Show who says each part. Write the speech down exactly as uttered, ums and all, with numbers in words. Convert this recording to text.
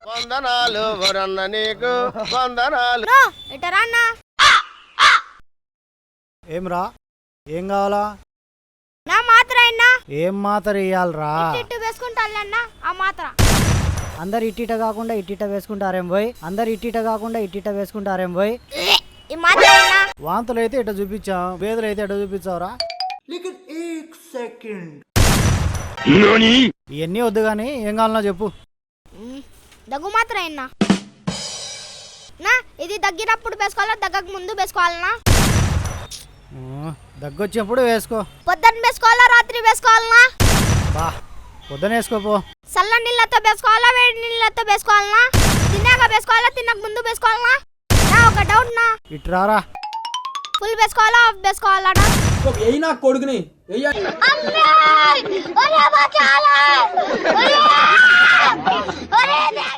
Speaker 1: వందనాలు వరన్న నీకు వందనాలు.
Speaker 2: ఎటరా అన్న?
Speaker 3: ఏం రా, ఏం కావాలా?
Speaker 2: నా మాత్ర అయినా
Speaker 3: ఏం మాత్ర ఇయ్యాలరా?
Speaker 2: ఇట్టు వేసుకుంటానన్నా ఆ మాత్ర.
Speaker 3: అందరు ఇట్టిట కాకుండా ఇట్టిట వేసుకుంటారేం పోయి, అందరు ఇట్టిట కాకుండా ఇట్టిట వేసుకుంటారేం పోయి.
Speaker 2: ఈ మాత్ర అయినా
Speaker 3: వాంతులు అయితే ఇట చూపించాం, వేదులు అయితే ఇట చూపించావురా. ఇవన్నీ వద్దు కానీ ఏం కావాలన్నా చెప్పు.
Speaker 2: దగ్గు మాత్ర అయినా నా ఇది దగ్గినప్పుడు వేసుకోవాలా దగ్గకు ముందు వేసుకోవాలనా?
Speaker 3: దగ్గొచ్చినప్పుడు వేసుకో.
Speaker 2: పొద్దున్న వేసుకోవాలా రాత్రి వేసుకోవాలనా?
Speaker 3: బా పొద్దున వేసుకోపో.
Speaker 2: చల్ల నీళ్ళతో వేసుకోవాలా వేడి నీళ్ళతో వేసుకోవాలనా? తిన్నాక వేసుకోవాలా తిన్నాక ముందు వేసుకోవాలనా? నా ఒక డౌట్ నా,
Speaker 3: ఇట్రారా.
Speaker 2: ఫుల్ వేసుకోవాలా హాఫ్ వేసుకోవాలా?
Speaker 4: ఏయ్ నా కొడుకుని
Speaker 2: అమ్మే ఒరే బచాలా ఒరే ఒరే